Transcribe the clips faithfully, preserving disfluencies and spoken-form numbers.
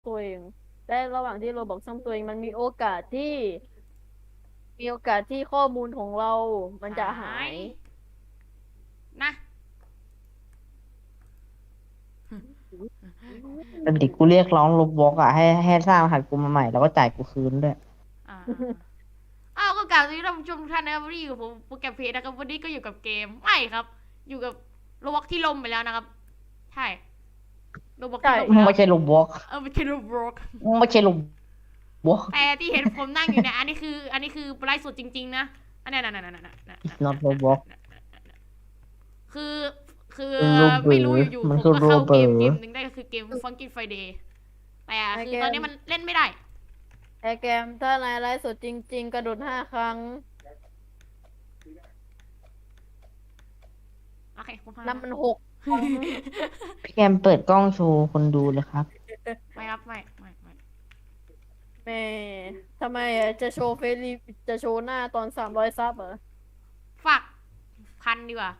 ตัวเองและระหว่างที่โรบอกซ่อมตัวเองมันมีโอกาสที่มีโอกาสที่ข้อมูลของเรามันจะหาหายยนะแต่เด็กกูเรียกร้องลบบล็อกอ่ะให้ให้สร้างรหัสกูมาใหม่แล้วก็จ่ายกูคืนด้วยอ่าอ่าอ่าอ้าวก็กล่าวสวัสดีท่านผู้ชมทุกท่านนะครับวันนี้อยู่กับผมโปรแกรมเพจนะครับวันนี้ก็อยู่กับเกมไม่ครับ อยู่กับโรบอกที่ล่มไปแล้วนะครับใช่โรบอกใช่ที่ล่มไปแล้วไม่ใช่ลบบล็อกเออไม่ใช่โรบอกไม่ใช่ลบล็อกแต่ที่เห็นผมนั่งอยู่เนี่ยอันนี้คืออันนี้คือไลฟ์สดจริงๆนะอันนี้นั่นนั่นนั่นนั่นนั่น it's not Roblox คือคือคือโรเบอไม่รู้ร์อยู่ๆมันผมคือก็เข้าเกมโรเบอร์เกมหนึ่งได้ก็คือเกม Funky Friday แต่คือตอนนี้มันเล่นไม่ได้ไอแกมถ้านายไลฟ์สดจริงๆกระโดดห้าครั้งโอเคผมพานับมันหกครั้งพี่แกมเปิดกล้องโชว์คนดูเลยครับไม่ครับไม่ไม่ไม่แม่ทำไมอ่ะจะโชว์เฟซรีจะโชว์หน้าตอนสามร้อยซับเหรอฝากพันดีกว่า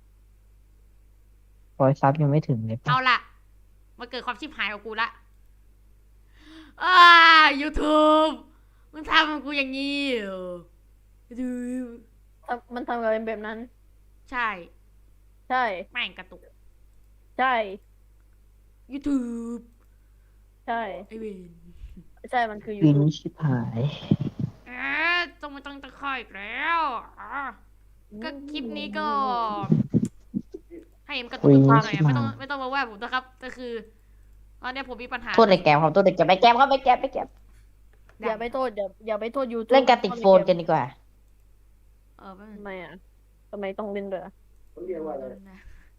รอยซับยังไม่ถึงเลยเอาปะละมาเกิดความชิบหายกับกูละอ้า YouTube มึงทำกับกูอย่างนี้เหรอ YouTube ทำมันทำกับเป็นแบบนั้นใช่ใช่แม่งกระตุกใช่ YouTube ใช่ไอเวนใช่มันคือวิน YouTube ชิบหายเอ๊ะต้องไม่ต้องตะคอยอีกแล้วอ่ะก็คลิปนี้ก็ ให้มันกระตุกวิกนระตุกหน่อยชิบอะไม่หาต้องยไม่ต้องมาว่าผมนะครับก็คือตอนเนี้ยผมมีปัญหาโทษไอ้แกมครับโทษไอ้แกมไอ้แกมครับไอ้แกมไอ้แกมอย่าไปโทษอย่าอย่าไปโทษ YouTube เล่นการติดโฟนกันดีกว่าเออไม่ทำไมอ่ะทำไมต้องเล่นด้วยอะนะ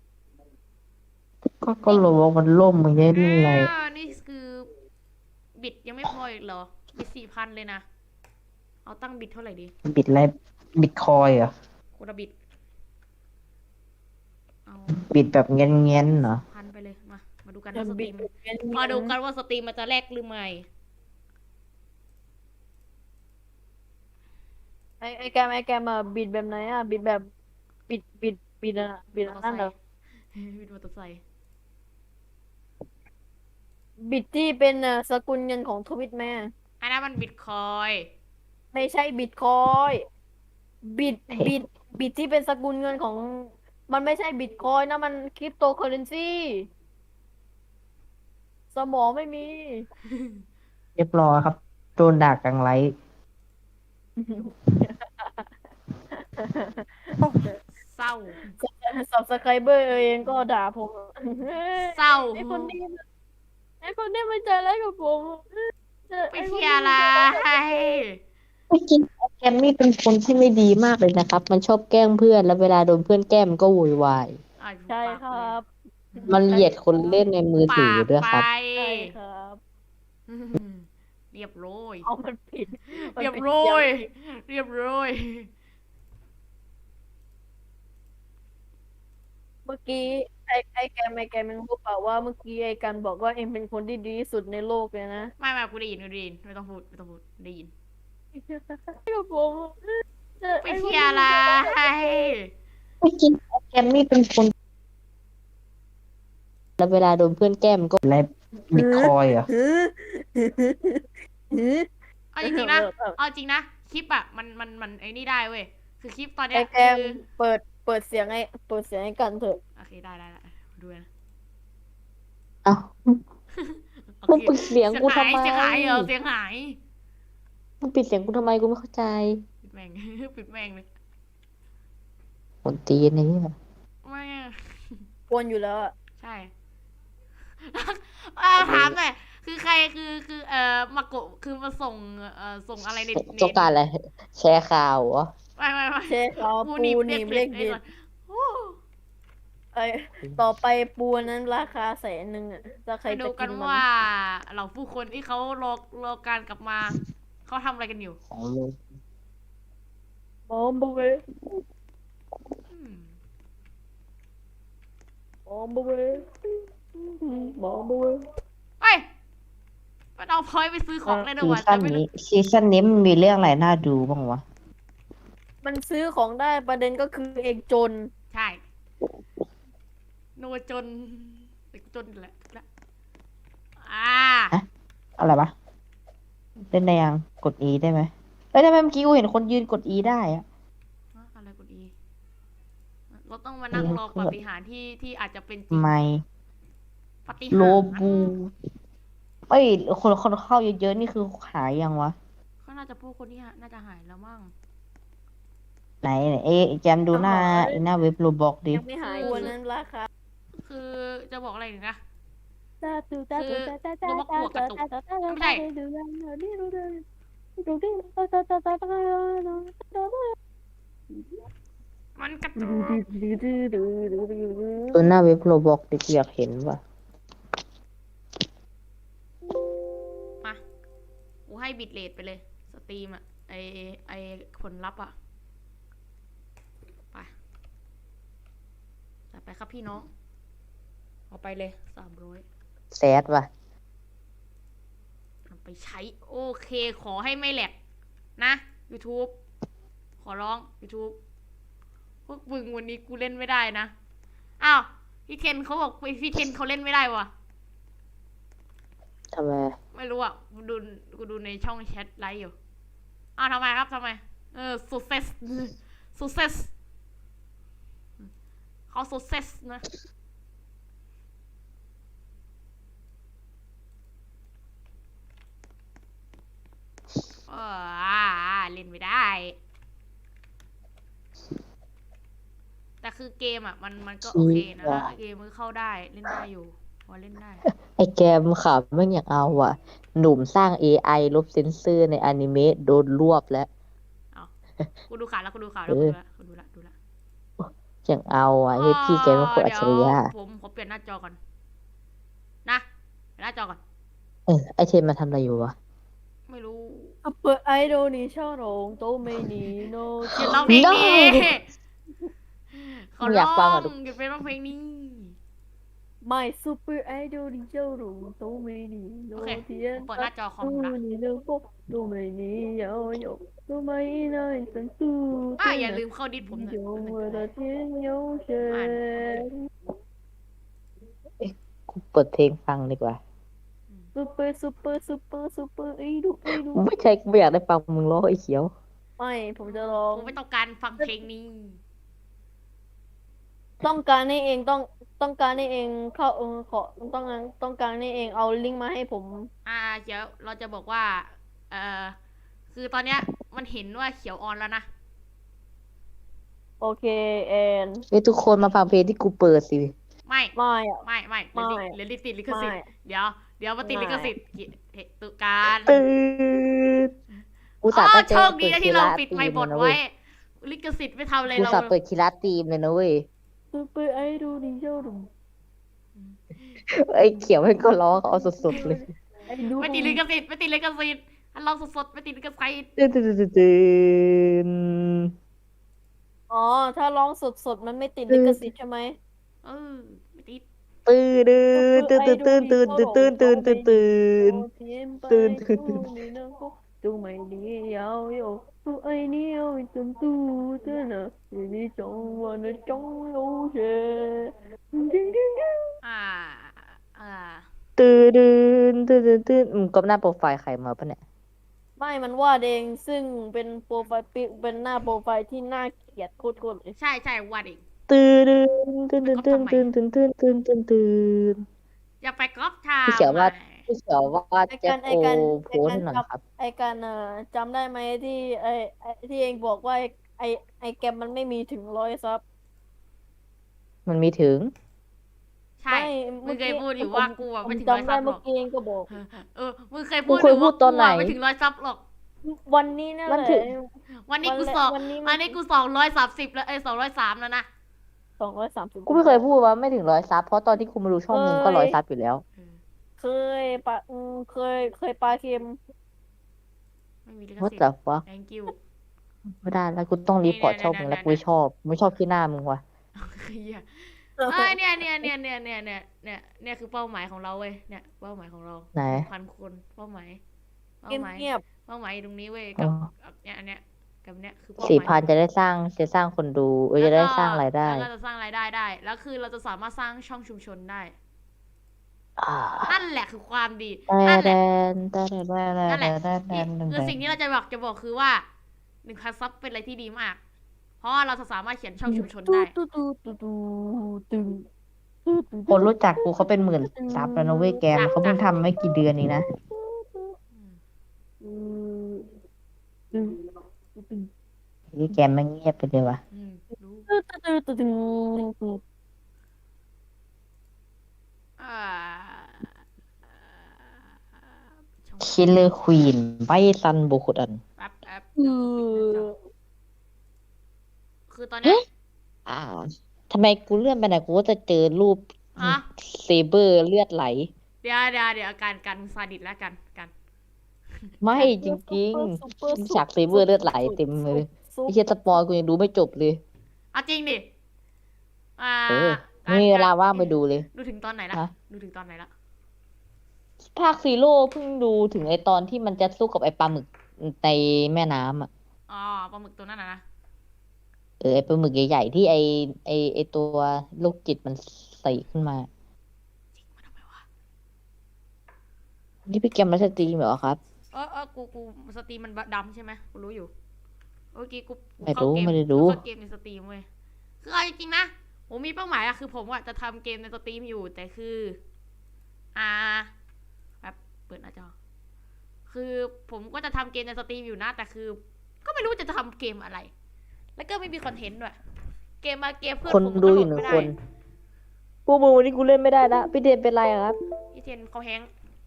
ก็ก็โลบอกมันล่มมึงจะเล่นอะไรอ่านี่คือบิดยังไม่พออีกเหรอบิดสี่พันเลยนะเอาตั้งบิดเท่าไหร่ดีบิตอะไรบิตคอยเหรอคนละบิดเอาบิตแบบเงี้ยเงี้ยเหรอพันไปเลยมามาดูกันอย่าว่าสตบิรีดมเงี้ยมาดูกันว่าสตรีมมันจะแลกหรือไม่ไอไอแกมไอแกมอ่ะบิดแบบไหนอ่ะบิดแบบบิดบิดบิดอ่ะบิดมออันเตอนั่ร์นไซเหรอค์บิดมอเตอร์ไซค์บิดที่เป็นอ่ะสกุลเงินของทวิตแม่อันนั้นมันบิตคอยไม่ใช่บิตคอยบิดบิดบิดที่เป็นสกุลเงินของมันไม่ใช่บิตคอยนะมันคริปโตเคอเรนซีสมองไม่มีเรียบร้อยครับโดนด่ากลางไลฟ์เศร้าสับสไครเบอร์เองก็ด่าผมเศร้าไอคนนี้มันไอคนนี้มันใจร้ายกับผมไปเที่ยวอะไรไม่จริงแกมมี่เป็นคนที่ไม่ดีมากเลยนะครับ มันชอบแกล้งเพื่อนแล้วเวลาโดนเพื่อนแกล้งมันก็โวยวายอ่ะใช่ปากคไปรับมันเหยียดคนเล่นในมือถือปากด้วยไปครับใช่ครับอืมเรียบร้อยเอามันผิดมันเรียบผิดร้อยางเรียบร้อยเมื่อกี้ไอไอแกมไอแกมมึงรู้เปล่าว่าเมื่อกี้ไอกันบอกว่าเอ็มเป็นคนที่ดีที่สุดในโลกเลยนะไม่ไม่กูได้ยินกูได้ยินไม่ต้องพูดไม่ต้องพูดได้ยินกับผมเออไปไอ้คนเที่นี้ยวอะไรไม่จริงแกมมี่เป็นคนแล้วเวลาโดนเพื่อนแกล้งมันก็อะไรบิตคอยเหรอหือหือหือเอาจริงๆนะเอาจริงนะคลิปอ่ะมันมันมันไอ้นี่ได้เว้ยคือคลิปตอนเนี้ไอย แกคืมอเปิดเปิดเสียงไอเปิดเสียงให้กันเถอะโอเคได้ได้ได้ดูนะเอ้าโอมึงเคปิดเสียงกูทำไมเสียงหายเสียงหายเหรอเสียงหายมึงปิดเสียงกูทำไมกูไม่เข้าใจปิดแม่ง ปิดแม่งเลยคนตีนนี่อะไม่อะกวนอยู่แล้วอะใช่ อ่าถามหน่อยคือใครคือคือเอ่อมาโกะคือมาส่งเอ่อส่งอะไรในในต้องการอะไรแชร์ข่าวเหรอไม่ไม่ไม่เชฟเขาปูหนีบหนีบเด็เล็กกๆดิไอ้ก่อนโอ้ไอต่อไปปูนั้นราคาแสนหนึ่งอะถ้าใครไปดูจะกักินนมันว่าเหล่าผู้คนที่เขารอรอการกลับมาเขาทำอะไรกันอยู่ของโลกบอมบ์เวยอืมบอมบ์เวยบอมบ์เวยเอ้ยมันเอาพอยต์ไปซื้อของได้ด้วยซีวะซั่แต่นไม่รู้นี้ซีซั่นนี้มันมีเรื่องอะไรน่าดูบ้างวะมันซื้อของได้ประเด็นก็คือเองจนใช่โนจนเด็กจนแหละละอ่าอะไรปะเล่นได้ยังกด E ได้ไหมเอ้ยทำไมเมื่อกี้กูเห็นคนยืนกด E ได้อะฮะอะไรกดอีเราต้องมานั่งเลี้ยงรอเพื่ปาอนฏิหาริย์ที่ที่อาจจะเป็นจริงไม่ปาฏิโลหาริย์บูเอ้ยคนคนเข้าเยอะๆนี่คือหายยังวะเขาน่าจะพูดคนที่หาน่าจะหายแล้วมั้งไหนไหนเอ๊ะแจมดูหน้าไอ้หน้าเว็บโรบอกดิยังไม่หายวันนั้นราคาคือจะบอกอะไรหนึ่งนะตาตูตาตูตาตาตาคือตาโรบอทกลัวกระตุกตาตาตาไม่ใช่ดูดูดูดูดูดูดูตาตาตาตาตามันกระดูตุกดูดูดูดูดูดูดูหน้าเว็บโรบอกดิกูอยากเห็นว่ะมากูให้บิตเรทไปเลย สตรีมอะไอไอผลลัพธ์อะไปจัดไปครับพี่น้อง เอาไปเลยสามร้อยแซดว่ะเอาไปใช้ โอเค ขอให้ไม่แหลกนะ YouTube ขอร้อง YouTube พวกมึงวันนี้กูเล่นไม่ได้นะ อ้าว พี่เทนเขาบอกพี่เทนเขาเล่นไม่ได้วะทำไมไม่รู้อ่ะ กูดูกูดูในช่องแชทไลฟ์อยู่ อ้าวทำไมครับทำไม เออ success success เขา success นะ เอออ่าอ่าเล่นไม่ได้ แต่คือเกมอ่ะ มันมันก็โอเคนะ เกมมันเข้าได้เล่นได้อยู่ พอเล่นได้ไอ้แกมขับไม่งอยากเอาอ่ะ หนุ่มสร้าง เอ ไอ ลบเซนเซอร์ในอนิเมะโดนรวบแล้วเอากูดูข่าวแล้วกูดูข่าวแล้วกูดูละกูดูละดูละอยากเอาอ่ะเฮ้ยพี่แกเป็นคนอัจฉริยะเดี๋ยวผมขอเปลี่ยนหน้าจอก่อน นะเปลี่ยนหน้าจอก่อนเออไอเทมมาทำอะไรอยู่วะไม่รู้เปิดไอดอลนี่ชอบร้องโตไม่นีโนหยุดร้องเพลงนี้ No ขอไม่อร้ยาอกฟังงอ่ะหยุดเป็นร้องเพลงนี้ไม่ซูเปอร์ไอดอลนี่ชอบร้องโตไม่นีโนโอเคเทียนผมเปิดหน้าจอคอมตูผมละนี่เลิกปุ๊บตูไม่นียาวหยกตูไม่น่าสันตูอ่าอย่าลืมเข้าดิสผมหน่อย有我的天有谁กูเปิดเพลงฟังดีกว่าซูเปอร์ซูเปอร์ซูเปอร์ซูเปอร์ไอดูไอดูไม่ใช่กูไม่อยากได้ฟังมึงร้องไอ้เขียวไม่ผมจะร้องผมไม่ต้องการฟังเพลงนี้ต้องการให้เองต้องต้องการให้เองเข้าเออขอต้องการต้องการให้เองเอาลิงก์มาให้ผมอ่าเดี๋ยวเราจะบอกว่า เอ่อ คือตอนเนี้ยมันเห็นว่าเขียวออนแล้วนะโอเคแอนเฮ้ยทุกคนมาฟังเพลงที่กูเปิดสิไม่ไม่อะไม่ไม่ไม่เดี๋ยวลิติดลิขสิทธิ์ไม่เดี๋ยว เดี๋ยวมาติดไม่ลิขสิทธิ์กิเหตุการตื่นกูอ๋สาอตั้งใจโชคดีนะที่เราปิดคีไมค์บลาทตีมเลยนะไว้เว้ยลิขสิทธิ์ไม่ทำอะไรกูเราสาเปิดคีราตีมเลยนะเว้ยซูเปอร์ไอดูดิโชว์ดูไอ้เขียวมันก็ร้องเอาสดๆเลยไอดูไม่ติดลิขสิทธิ์ไม่ติดลิขสิทธิ์อันลองสดๆไม่ติดลิขสิทธิ์ตื่นตื่นตื่นตื่นอ๋อถ้าร้องสดๆมันไม่ติดลิขสิทธิ์ใช่ไหมเออไม่ติดตื่นตื่นตื่นตื่นตื่นตื่นตื่นตื่นตื่นตื่น ตื่นตื่นตื่นตูไม่ดียาวโยตูไอเนียวจนตูเธอนะอยู่ในจงวันจงโลเชดิ้งดิ้งดิ้งอ่า อ่าตื่นตื่นตื่นตื่นมึงก็หน้าโปรไฟล์ใครมาปะเนี่ยไม่มันวาดเองซึ่งเป็นโปรไฟล์ปิเป็นหน้าโปรไฟล์ที่น่าเกลียดโคตรๆเลยใช่ใช่วาดเองตื่นตื่นตื่นตื่นตื่นตื่นตื่นตื่นตื่นตื่นอย่าไปก๊อปทาพี่เขียวว่าใหม่พี่เขียวว่าไอแจ็กาครไอโอการโพไอสการให้หน่อยจครับำไอการเอ่อจำได้ไหมที่ไอไอที่เองบอกว่าไอไอไอแกมมันไม่มีถึงร้อยซับมันมีถึงใช่ไม่มึงเคยพูดอยู่ผมว่ากูอะผไม่มถึงร้อยจำได้ซับหรเมื่ออก กี้เองก็บอกเออ มึงเคยพูดมึงเคยอยู่พูว่าดตอนไหนกูะไม่ถึงร้อยซับหรอกวันนี้นั่นมันแหถึละงวันนี้กูวันแรกสองวันนี้มันวันนี้กูสองร้อยสามสิบแล้วเอ้ยสองร้อยสามแล้วนะสองร้อยสามสิบกูไม่เคยพูดว่าไม่ถึงร้อยซับเพราะตอนที่กูมาดูช่องมึงก็ร้อยซับอยู่แล้วเคยปะอืมเคยเคยปลาเค็มไม่มีลิข What สิท the ธิ์ fuck thank you ไม่ได้แล้วกูต้องรีพอร์ตช่องมึงแล้วกูไม่ชอบไม่ชอบที่หน้ามึงว่ะเหี้ยเอ้ยเนี่ยเนี่ยเนี่ยเนี่ยเนี่ยเนี่ยเนี่ยเนี่ยคือเป้าหมายของเราเว้ยเนี่ยเป้าหมายของเราไหนพันคนเป้าหมายเป้าเงียบหมายเงียบเป้าหมายอยู่ตรงนี้เว้ยอ๋กัอบกับเนี่ยอันเนี้ยกับเนี้ยคือเป้าหสี่มายพันจะได้สร้างจะสร้างคนดูเออจะได้สร้างรายได้แล้วก็จะสร้างรายได้ได้ แล้วคือเราจะสามารถสร้างช่องชุมชนได้อ่านั่นแหละคือความดีแต่นั่นแหแดละนแต่แดนแต่แดนั่นนแหละแต่แดนี่นคือแต่สิ่งที่เราจะบอกจะบอกคือว่าหนึ่งพันซับเป็นอะไรที่ดีมาก เพราะว่าเราจะสามารถเขียนช่องชุมชนตูได้ตูตูตูตูตูตูตูคนรู้จักกูเขาเป็นหมื่นซับแล้วนะเว้ยแกมจ้ะเขาเพิ่งจ้ะทำไม่กี่เดือนเองนะอืมตูตูตูนี่แกมมันเงียบไปเลยวะอืมรู้ตูตูตูตูตูอ่าช่องคิลเลอร์ควีนไบซันโบคุดันแป๊บแป๊บเอเดี๋ยวขอปิดหน้าจออคือตอนเนี้ยอ่าทำไมกูเลื่อนไปไหนกูก็จะเจอรูปฮะเซเบอร์เลือดไหลเดี๋ยวเดี๋ยวเดี๋ยวการการซาดิสแล้วกันกันไม่จริงซุปเปอร์ๆซุปฉากเซเบอร์เลือดไหลเต็มเลยซุปไอ้เหี้ยสปอยกูยังดูไม่จบเลยเอาจริงดิ อ่าเออการไม่มีเวลาการว่างไปดูเลยดูถึงตอนไหนละฮะดูถึงตอนไหนละภาคซีโร่เพิ่งดูถึงไอตอนที่มันจะสู้กับไอปลาหมึกในแม่น้ำอ่ะอ๋อปลาหมึกตัวนั้นนะนะเออไอปลาหมึกใหญ่ๆที่ไอไอไอตัวโรคจิตมันใส่ขึ้นมาจริงมาทำไมวะนี่พี่แกมมาสตรีมเหรอครับเออเออกูกูสตรีมมันดำใช่ไหมกูรู้อยู่เมื่อกี้กูกูไม่เข้ารู้เกมไม่ได้รู้กูเข้าเกมในสตรีมเว้ยคือเอาจริงๆนะผมมีเป้าหมายอะคือผมอะจะทำเกมในสตรีมอยู่แต่คือ อ่าแบบเปิดหน้าจอคือผมก็จะทำเกมในสตรีมอยู่นะแต่คือ ก็ไม่รู้จะทำเกมอะไร แล้วก็ไม่มีคอนเทนต์ด้วยเกมมาเกมเพื่อนคนผมดูก็โหอลยู่ดหนึ่งไม่คได้นพวกมึงวันนี้กูเล่นไม่ได้ละพี่เดนเป็นไรอะครับอีเทนเขาแฮงก์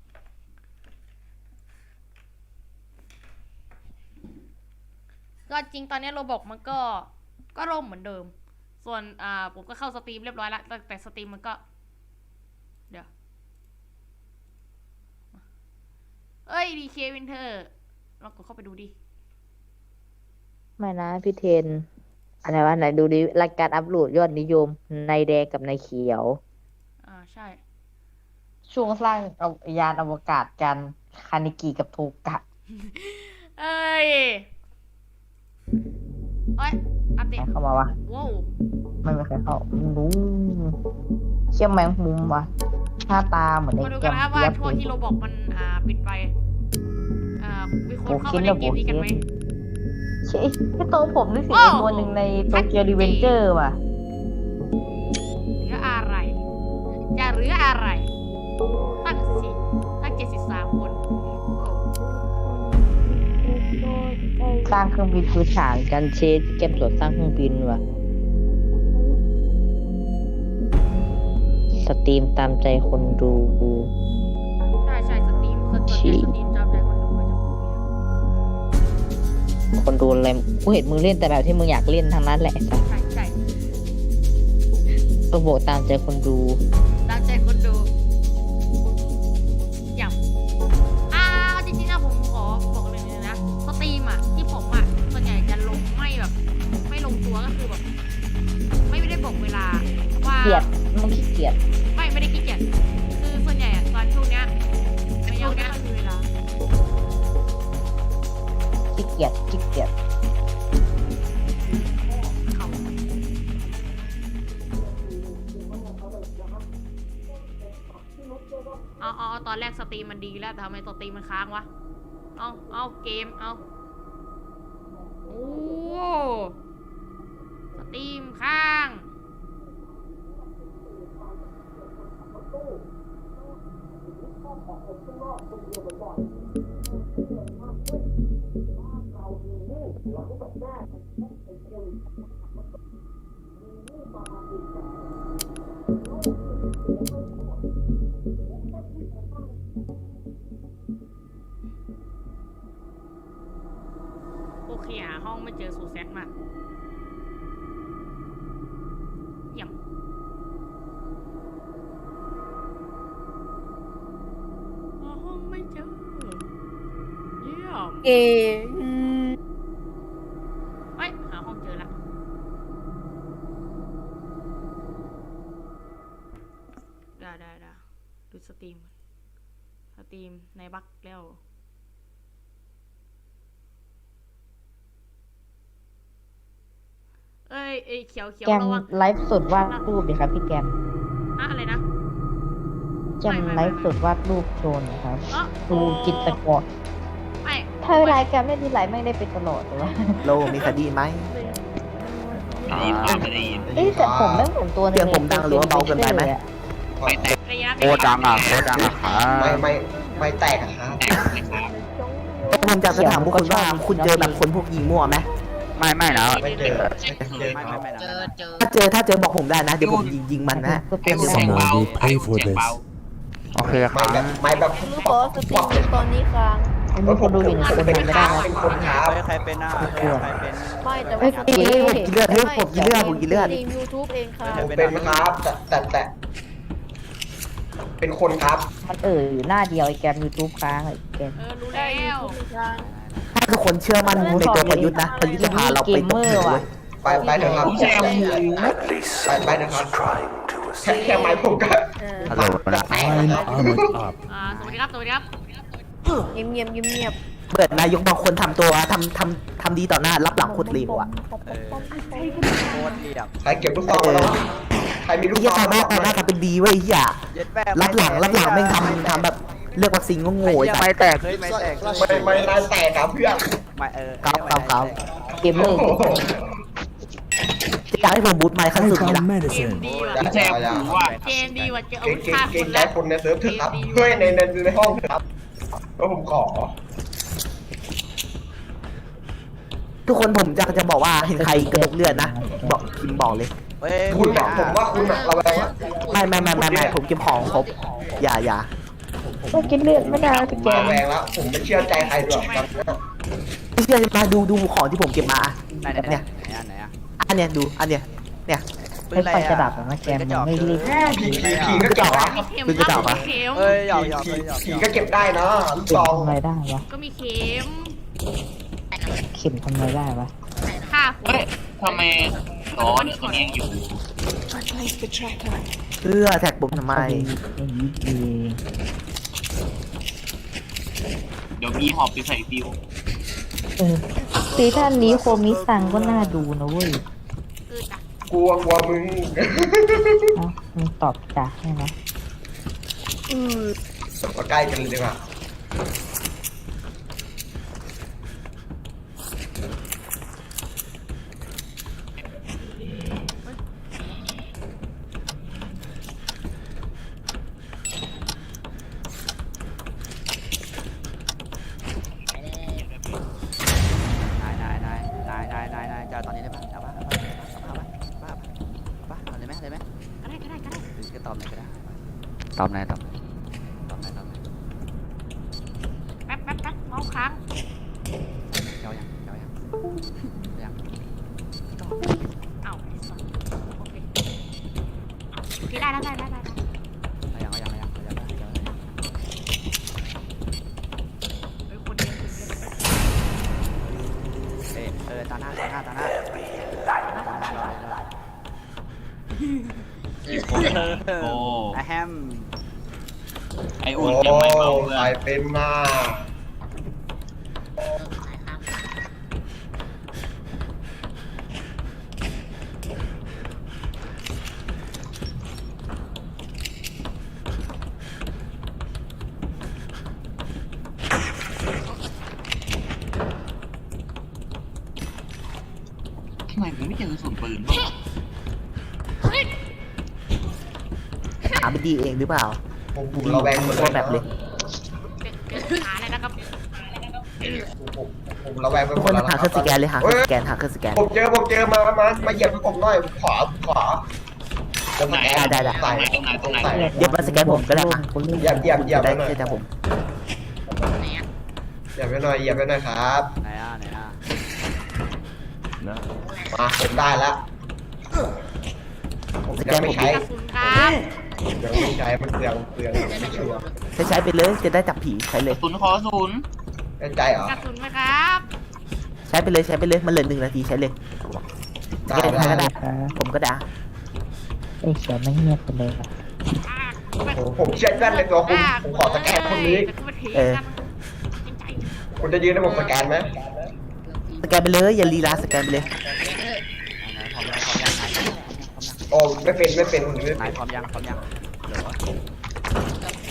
ก็จริงตอนนี้โรบอกมันก็ก็ร่มเหมือนเดิม ส่วนอ่าผมก็เข้าสตรีมเรียบร้อยแล้วแต่แต่สตรีมมันก็ เดี๋ยวเอ้ยดีเควินเทอร์ลองกดเข้าไปดูดิไม่นะพี่เทนอะไรวะไหนดูดิรายการอัพโหลดยอดนิยมในแดงกับในเขียวอ่าใช่ช่วงสร้างยานอวกาศกันคานิกิกับโทกะเอ้ยเอ้ยอัปเดใครตเข้ามาวะว้าวไม่มีใครเข้ามึงรู้เชี่ยแมงมุมวะหน้าตาเหมือนไอ้มาดูแกกันมนะครับว่าเปียบช่วงเลยที่โรบอกมันอ่าปิดไปอ่ามีคนโอ้เข้าคิดมาเล่แล้วนเกมนี้กันไหมเชี่ยไอ้ตัวผมนึกถึงโอ้ไอ้ตัวหนึ่งในโตเกียวรีเวนเจอร์ว่ะเหลืออะไรจะเหลืออะไร ตั้งสิตั้งเจ็ดสิบสามคนโอ้สร้างเครื่องบินพื้นฐานกันเชฟเกมสวนสร้างเครื่องบินว่ะสตรีมตามใจคนดูใช่ใช่สตรีมส่วนใหญ่สตรีมจำใจคนดูมาจากคนดูคนดูอะไรกูเห็นมึงเล่นแต่แบบที่มึงอยากเล่นทั้งนั้นแหละจ้ะใช่ใช่ต้องบอกตามใจคนดูตามใจคนดูอย่างอ่าจริงๆนะผมขอบอกเลยนะสตรีมอ่ะที่ผมอ่ะส่วนใหญ่จะลงไม่แบบ ไม่ลงตัวก็คือแบบ ไม่ได้บอกเวลาว่าเกลียดมึงขี้เกียจไม่ไม่ได้ขี้เกียจคือส่วนใหญ่อะตอนช่วงเนี้ยมันยังไม่ค่อยมีเวลาขี้เกียจขี้เกียจเขาเอาเอาเอาตอนแรกสตรีมมันดีแล้วแต่ทำไมสตรีมมันค้างวะ เอาเอาเกม เอาโอ้สตรีมค้าง โอเคหาห้องไม่เจอสูเซตมาเยี่ยมหาห้องไม่เจอ เยี่ยมเก่งเฮ้ยหาห้องเจอละได้ได้ได้ดูสตรีมก่อนสตรีมในบักแล้ว เอ้ยเอ้ยเขียวเขียวแกมระวังไลฟ์สดวาดรูปดิครับพี่แกมอะอะไรนะแกมไลฟ์สดวาดรูปโชว์หนะครับเอ้อดูจิตรกรไม่ถ้าเวลาแกมเล่นทีไรไม่ได้เป็นตลอดเลยวะโลมีคดีไหมได้ยินเปล่าไม่ได้ยินเอ้ยแต่ผมไม่เหมือนตัวในเสียงผมดังหรือว่าเบาเกินไปไหมไม่แตกระยะโคตรดังอ่ะโคตรดังอ่ะครับไม่ไม่ไม่แตกอะครับแตกไหมครับผมจะถามพวกคุณว่าคุณเจอแบบคนพวกยิงมั่วไหมไม่ไม่นะไม่เจอไม่เคยไม่คไม่รับไม่นะถ้าเจอถ้าเจอบอกผมได้นะ เดี๋ยวผมยิงยิงมันนะก็เป็นเสียงเบาเสียงเบาโอเคคไม่รับแบบไม่แบบรู้ขอสตรีมตอนนี้ค้างอันนี้คนดูอยู่หนึ่งคนเป็นไม่คได้รับนะเป็นคนครับเฮ้ยใครเป็นอ่ะเฮ้ยใครเป็นไม่แต่เอ้ว่ายเอ้ยผมกินเลือดเฮ้ยผมกินเลือดผมกินเลือดสตรีมยูทูบเองค่ะผมเป็นครับแต่แต่แต่เป็นคนครับมันเอออยู่หน้าเดียวไอ้แกมยูทูบค้างไอ้แกมเออรู้แล้วถ้าทุกคนเชื่อมั่นในตัวประยุทธ์นะประยุทธ์จะพาเราไปตกเหวเลยไปไปเถอะครับผมแซมหมูไปไปเถอะครับแค่แค่ไม้ผมก็เออฮัลโหลนะแตกแล้วครับอ่าสวัสดีครับสวัสดีครับเงียบเงียบเงียบเงียบเปิดนายกบางคนทำตัวทำทำทำดีต่อหน้ารับหลังโคตรเลวอ่ะเออโคตรเรียบใครเก็บลูกซองมาแล้วใครมีลูกเฮีซยองต่อหน้าต่อหน้าทำเป็นดีเว้ยเฮียเย็ดแม่รับหลังรับหลังแม่งทำทำแบบเลือกวัคซีนก็โง่ไอ้สัไม่สแตกเฮ้ยไม่แตกไม่ไม่นายแตกครับเพื่อนไม่เออเกมเมอร์จะอยากให้ผมบูทไมค์ขั้นสุดนี่ละเกมดีว่ะผมแซมหมูว่าเกมดีว่ะเจออาเก่วุงธเก่งฆ่าคเก่งนใจแล้วคนในเซิร์ฟเถอะครับเฮ้ยในในในห้องเถอะครับก็ผมขอทุกคนผมจะจะบอกว่าเห็นใครกระดกเลือดนะบอกพิมพ์บอกเลยเฮ้ยคุณอะผมว่าคุณอะระแวงว่าไม่ไม่ไม่ไม่ไม่ผมเก็บของครบอย่าอย่าก็กินเลือดไม่ได้ผมแกระมแวงแล้ว ผมไม่เชื่อใจใครด้วยครับไม่เชื่อมาดูดูของที่ผมเก็บมาไหนไหนไหนไหนอ่ะอันเนี้ยดูอันเนี้ยเนี่ยไม่ไปกระดับนะแกมมันไม่รีบผีผีผีก็เก็บได้ครับเข็มเป็นกระจอกคปะมีเข็มเฮ้ยหยอกหยอกผีหยอกผีก็เก็บได้นะลูกเข็ซมองทำอะไรได้วะก็มีเข็มเข็มทำอะไรได้วะฆ่าคนเฮ้ยทำไมร้อนตัวนี้ยังอยู่เพื่อแท็กผมทำไมไอ้ยี่ดีเดี๋ยวมีหอบไปใส่ฟิวเออซีท่านนี้โคมิซังก็น่าดูนะเว้ยเออจ้ะกลัวกลัวมึงเอ้ามึงตอบจากใช่ไหมมาใกล้กันเลยดีกว่านายนายนายนายนายนายนายจะตอนนี้ได้ปะเอาปะเอาปะเอาปะเอาปะเอาปะเอาเลยไหมเลยไหมก็ได้ก็ได้ก็ได้หรือจะตอบไหนก็ได้ตอบไหนตอบไหนตอบไหนตอบไหนแป๊บแป๊บแป๊บเมาส์ค้างเจ้ายังเจ้ายังยังอ้าวไอ้สัสโอเคโอเคได้แล้วได้ได้ได้ได้เอายังเอายังเอายังเอายังเอายังเฮ้ยคนเดียวคนเดียวเออเออตาหน้าตาหน้าตาหน้าอีกคนโอ้ไอแฮมไอโอ้อุ่นยังไม่เบาเพื่อใครนเป็นมาทำไมมึงไม่เจอกระสุนปืนบ้างหาไม่ดีเองหรือเปล่าผมผมระแวงหมดตัวแบบเลยเจอเจอหาอะไรนะครับผมผมระแวงไปทุกหมคดนแล้วหาเครื่องสแกนเลยหาเครื่องสแกนหาเครื่องสแกนผมเจอผมเจอมามามาเหยียบให้ผมหน่อยขวาขวาจะสแกนได้ได้ใส่ตรงไหนตรงไหนใส่เดี๋ยวมาสแกนผมก็ได้มาคนเล่นเหยียบเหยียบเหยียบได้ไปหน่อยใช่แต่ผมเหยียบไปหน่อยเหยียบไปหน่อยครับไหนอ่ะไหนอ่ะมาผมได้แล้วผมสแกยังนไม่ผมใช้กระสุนครับยังไม่ใช้มันเปลืองเปลืองไม่ชัวร์ใช้ใช้ไปเลยจะได้จับผีใช้เลยศูนย์ขอศูนย์แน่ใจเหรอกระสุนไหมครับใช้ไปเลยใช้ไปเลยมันเหลือหนึ่งนาทีใช้เลยสแกนใครก็ได้ครับผมก็ได้ไอ้เขียวไม่เงียบไปเลยว่ะอ่าผมเชื่อมั่นในตัวคุณผมขอสแกนคนนี้แต่กูมาเถียงเออกันจริงใจคุณจะยืนให้ผมสแกนไหมสแกนไปเลยอย่าลีลาสแกนไปเลยไหนพร้อมยังพร้อมยังนายพร้อมยังโอ้ไม่เป็นไม่เป็นผมไม่นายเป็นพร้อมยังพร้อมยังเหรอ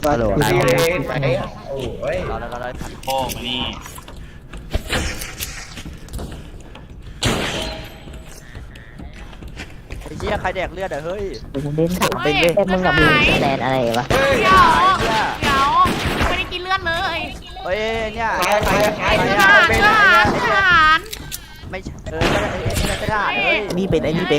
ฮัลโหลดูได้ดิได้ไหนโอ้ยเราเราเราทันโป้มานี่ไอ้เหี้ยใครแดกเลือดอ่ะเฮ้ยมึงเล่นถามเฮ้ยแต่มึงกับมึงแลนอะไรวะเฮ้ยเดี๋ยวเดี๋ยวไม่ได้กินเลือดเลยเฮ้ยเนี่ยตายตายตายเลือดตาทหาย รเลือดทหารเลือดทหารไม่ใช่เออไม่ใช่ไม่ใช่ทหารเฮ้ยนี่เป็นไอ้นี่เป็น